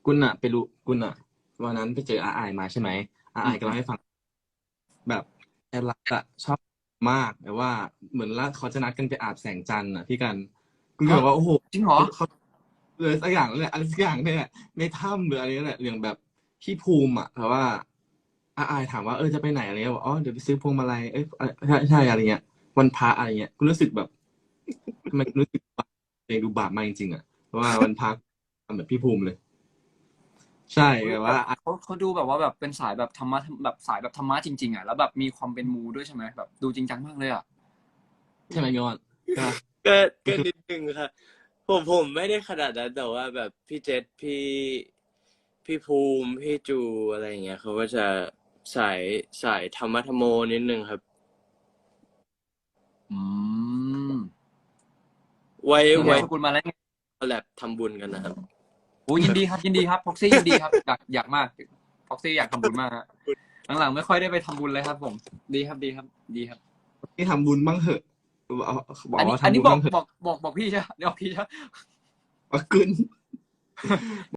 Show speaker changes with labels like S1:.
S1: คุณอะไปรู้คุณอะวันนั้นไปเจออาอายมาใช่ไหมอา
S2: อืม
S1: อายก็เล่าให้ฟังแบบแอดรักอะชอบมากแต่ว่าเหมือนละเขาจะนัดกันไปอาบแสงจันทร์อะพี่กันคุณก็
S2: ฮะ
S1: บอกว่าโอ้โห
S2: จริงเหรอ
S1: เขาเลยสักอย่างนั่นแหละอะไรสักอย่างเนี่ยแหละในถ้ำหรืออะไรนั่นแหละอย่างแบบพี่ภูมิอะแต่ว่าอาอายถามว่าจะไปไหนอะไรเงี้ยบอกอ๋อเดี๋ยวไปซื้อพวงมาลัยใช่ใช่อะไรเงี้ยวันพระอะไรเงี้ยคุณรู้สึกแบบทำไมคุณรู้สึกว่าตัวเองดูบาปมากจริงๆอะเพราะว่าวันพระทำแบบพี่ภูมิเลยใช่
S2: อุ๊ยแบบ
S1: แบบว่า
S2: เขาดูแบบว่าแบบเป็นสายแบบธรรมะแบบสายแบบธรรมะจริงๆอ่ะแล้วแบบมีความเป็นมูด้วยใช่ไหมแบบดูจริงจังมากเลยอ่ะ
S1: ใช่ไหมพี่ออนใช่ปะ
S3: ก็
S1: ก็คือ
S3: ก็นิดนึงครับผมไม่ได้ขนาดนั้นแต่ว่าแบบพี่เจษพี่ภูมิพี่จูอะไรอย่างเงี้ยเขาก็จะสายสายธรรมะธรรมโมนิดนึงครับ
S2: อืม
S3: ไว้
S2: นี่นามสกุลมาแล้วไง
S3: คอลแลบทำบุญกันนะครับ
S2: โอ้ยินดีครับยินดีครับพ็อกซี่ยินดีครับอยากมากพ็อกซี่อยากทำบุญมากฮะหลังๆไม่ค่อยได้ไปทำบุญเลยครับผมดีครับดีครับดีครับ
S1: ที่ทำบุญบ้างเหอะบอกว่า
S2: อันนี้
S1: ทำบุญบ้างเหอะ
S2: บอกพี่ใช่ไหมเดี๋ยวพี่ใช่ไหม
S1: ว่าขึ้น